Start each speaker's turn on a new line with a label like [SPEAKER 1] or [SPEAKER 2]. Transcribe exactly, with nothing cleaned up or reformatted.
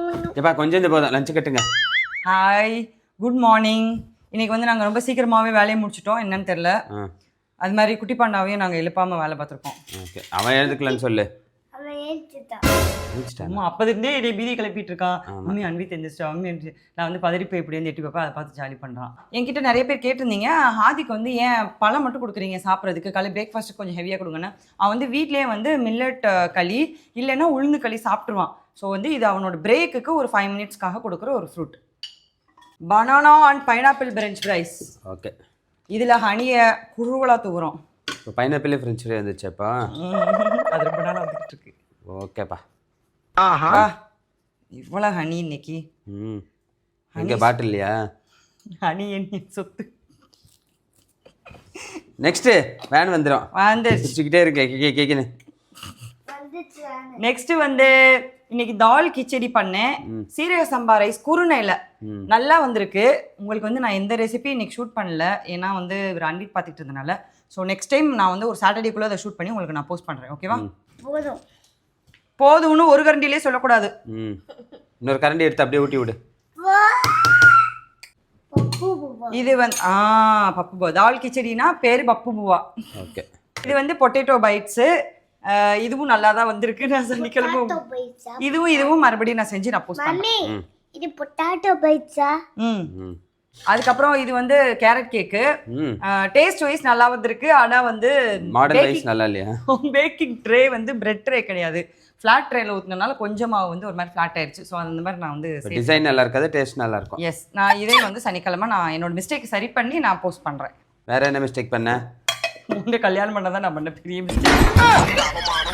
[SPEAKER 1] ஏப்பா கொஞ்சம் இந்த போதும் லஞ்ச் கட்டுங்க.
[SPEAKER 2] Hi, good morning. இன்னைக்கு வந்து நாங்கள் ரொம்ப சீக்கிரமாகவே வேலையை முடிச்சிட்டோம். என்னன்னு தெரில, அது மாதிரி குட்டி பாண்டாவையும் நாங்கள் எழுப்பாமல் வேலை பார்த்துருக்கோம்.
[SPEAKER 1] ஓகே, அவன் எழுதுக்கலன்னு சொல்லு.
[SPEAKER 2] அம்மா அப்போது இருந்தே இதே பீதி கிளப்பிட்டு இருக்கான். மம்மி அன்பி தெரிஞ்சிச்சா மம்மி அன்பி. நான் வந்து பதறி போய் இப்படி வந்து எட்டி பார்ப்பேன், அதை பார்த்து ஜாலி பண்ணுறான். என்கிட்ட நிறைய பேர் கேட்டிருந்தீங்க, ஹாதிக்கு வந்து ஏன் பழம் மட்டும் கொடுக்குறீங்க சாப்பிட்றதுக்கு, காலை பிரேக்ஃபாஸ்ட்டுக்கு கொஞ்சம் ஹெவியாக கொடுங்கன்னு. அவன் வந்து வீட்லேயே வந்து மில்லட் களி இல்லைன்னா உளுந்து களி சாப்பிட்ருவான். ஸோ வந்து இது அவனோட பிரேக்குக்கு ஒரு ஃபைவ் மினிட்ஸ்க்காக கொடுக்குற ஒரு fruit. Banana and pineapple French fries.
[SPEAKER 1] Okay,
[SPEAKER 2] இதில் ஹனியை குழுவலாக தூக்குறோம்.
[SPEAKER 1] இப்போ பைனாப்பிள் ஃப்ரெஞ்ச் ஃப்ரை வந்துச்சேப்பா.
[SPEAKER 2] அது ரொம்ப நாளாக வந்துட்டு இருக்கு.
[SPEAKER 1] ஓகேப்பா.
[SPEAKER 2] ஆஹா, இவ்வளோ ஹனி இன்னைக்கு.
[SPEAKER 1] ம், இங்கே பாட்டில் இல்லையா?
[SPEAKER 2] ஹனி என்ன சொத்து.
[SPEAKER 1] நெக்ஸ்ட்டு வேன் வந்துடும்.
[SPEAKER 2] வந்து
[SPEAKER 1] வச்சுக்கிட்டே இருக்கு கே கேக்குன்னு.
[SPEAKER 2] நெக்ஸ்ட் வந்து இன்னைக்கு தால் கிச்சடி பண்ணேன். சீரக சம்பா ரைஸ் குருணையில் நல்லா வந்திருக்கு. உங்களுக்கு வந்து நான் எந்த ரெசிபி இன்னைக்கு ஷூட் பண்ணல, ஏன்னா வந்து ஒரு அன்பிட் பார்த்துட்டு இருந்தனால. ஸோ நெக்ஸ்ட் டைம் நான் வந்து ஒரு சாட்டர்டேக்குள்ளே அதை ஷூட் பண்ணி உங்களுக்கு நான் போஸ்ட் பண்ணுறேன். ஓகேவா?
[SPEAKER 3] போதும்
[SPEAKER 2] போதும்னு ஒரு கரண்டிலே சொல்லக்கூடாது.
[SPEAKER 1] ம், இன்னொரு கரண்டி எடுத்து அப்படியே ஊட்டி விடு.
[SPEAKER 2] இது வந்து ஆ பப்பு பூவா. தால் கிச்சடினா பேர் பப்பு பூவா.
[SPEAKER 1] ஓகே,
[SPEAKER 2] இது வந்து பொட்டேட்டோ பைட்ஸு. இதுவும் நல்லா தான் வந்திருக்கு. நான் சனிக்கிழமை இதுவும் இதுவும் மறுபடியும் நான் செஞ்சு நான் போஸ்ட் பண்ணேன்.
[SPEAKER 3] இது பொட்டாட்டோ பைட்ஸா?
[SPEAKER 2] ம், அதுக்கப்புறம் இது வந்து கேரட் கேக்கு. டேஸ்ட் வைஸ் நல்லா வந்திருக்கு. ஆனால் வந்து
[SPEAKER 1] மாடல் வைஸ் நல்லா இல்லையா?
[SPEAKER 2] பேக்கிங் ட்ரே வந்து பிரெட் ட்ரே கிடையாது, ஃப்ளாட் ட்ரேல ஊற்றினால கொஞ்சமாக வந்து ஒரு மாதிரி ஃப்ளாட் ஆயிடுச்சு. ஸோ அந்த மாதிரி நான் வந்து
[SPEAKER 1] டிசைன் நல்லா இருக்காது, டேஸ்ட் நல்லா இருக்கும்.
[SPEAKER 2] எஸ், நான் இதே வந்து சனிக்கிழமை நான் என்னோட மிஸ்டேக் சரி பண்ணி நான் போஸ்ட் பண்ணுறேன்.
[SPEAKER 1] வேற என்ன மிஸ்டேக் பண்ண?
[SPEAKER 2] உங்க கல்யாணம் பண்ணதான் நான் பண்ண பெரிய மிஸ்டேக்.